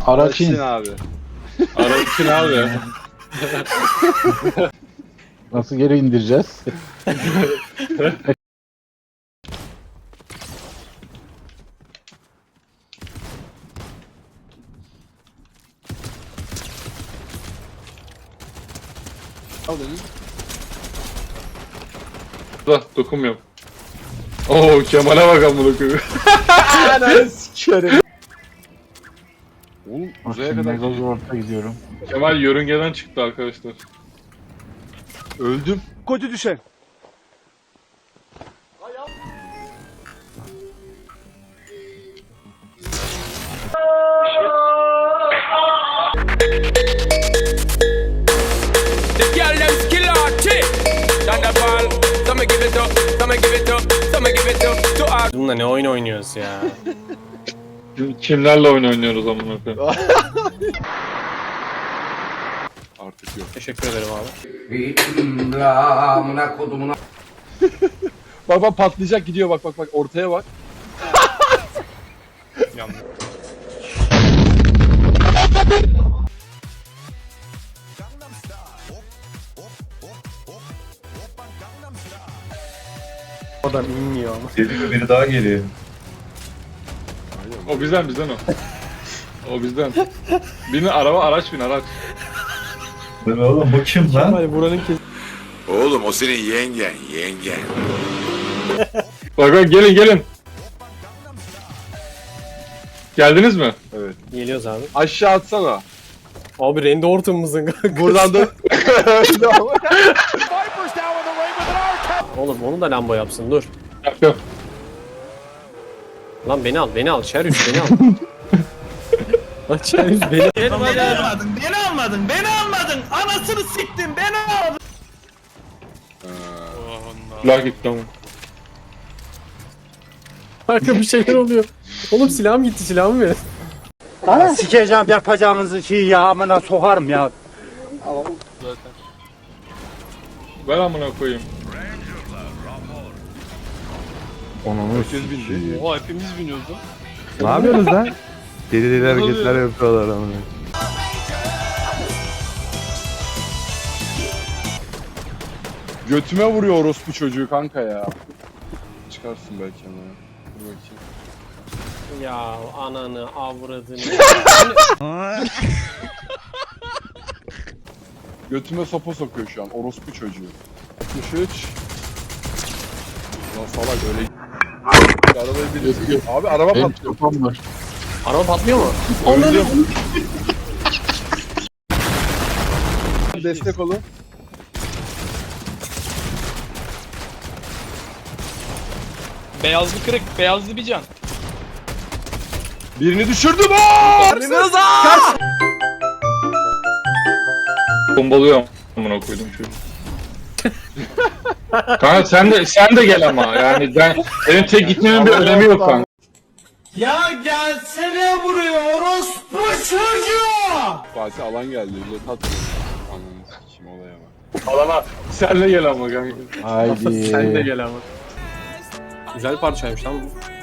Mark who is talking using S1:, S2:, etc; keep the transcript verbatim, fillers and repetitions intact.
S1: Araçin.
S2: abi.
S3: Araçın abi.
S1: Nasıl geri indireceğiz?
S2: Al dedim.
S3: Da dokunmuyorum. Oo Kemal'e bak amına koyayım.
S2: Ananı sikerim. Oğlum
S1: Bak
S2: uzaya
S1: şimdi
S2: kadar
S1: mega
S2: gidiyor.
S1: zorta gidiyorum.
S3: Kemal yörüngeden çıktı arkadaşlar.
S2: Öldüm. Kötü düşen.
S4: The girl them skill artist. Thunderball, some give it up, some give it up, some give it up to us.
S5: Bununla ne oyun oynuyoruz ya?
S3: Kim- Kimlerle oyun oynuyoruz amına koyayım?
S2: Artık yok.
S5: Teşekkür ederim abi.
S2: Bak bak patlayacak gidiyor bak bak bak ortaya bak.
S5: Oradan inmiyor ama.
S6: Geliyor, biri daha geliyor.
S3: O bizden bizden o. O bizden. Bin araba araç bin araç.
S6: Lan oğlum bu kim lan?
S5: Kemal buranın kes...
S7: Oğlum o senin yengen, yengen.
S3: Bak bak gelin gelin. Geldiniz mi?
S2: Evet.
S5: Geliyoruz abi.
S2: Aşağı atsana.
S5: Abi Randy Orton'umuzun kanka.
S2: Buradan da
S5: Oğlum onu da Lambo yapsın dur.
S3: Yap yap.
S5: Lan beni al beni al. Şerüş beni al. Lan Şerüş beni al.
S8: Beni almadın, beni almadın, beni almadın. Anasını siktin, beni almadın.
S3: La git tamam.
S5: Kanka bir şeyler oluyor. Oğlum silahım gitti silahımı verin.
S8: Sikeceğim yapacağınızı şey ya, amına sokarım ya.
S3: Ver amına koyayım.
S1: Onu
S2: herkes bindi.
S5: Oha hepimiz biniyoruz lan.
S9: Ne yapıyorsunuz lan? Deli deli hareketler yapıyorlar ama.
S2: Götüme vuruyor orospu çocuğu kanka ya. Çıkarsın belki ama. Dur bakayım.
S5: Ya ananı avradını.
S2: Götüme sopa sokuyor şu an orospu çocuğu. altmış üç. Lan salak öyle. Arabayı biliyorsun. Abi araba
S1: benim
S2: patlıyor.
S1: sopam var.
S5: Araba patlıyor mu?
S2: Öldüm. Destek olun.
S8: Beyazlı kırık, beyazlı bir can.
S2: Birini düşürdüm. Aa!
S3: Bombalıyorum amına koydum çocuğu. Kanka sen de sen de gel ama yani ben benim tek gitmemin bir önemi yok kanka.
S8: Ya gelsene buraya orospu çocuğu.
S2: Fatih alan geldi. Jet at. Ananı sikeyim olaya bak.
S3: Alana sen de gel ama kanka.
S1: Haydi.
S5: Sen de gel ama. Güzel parçaymış lan bu.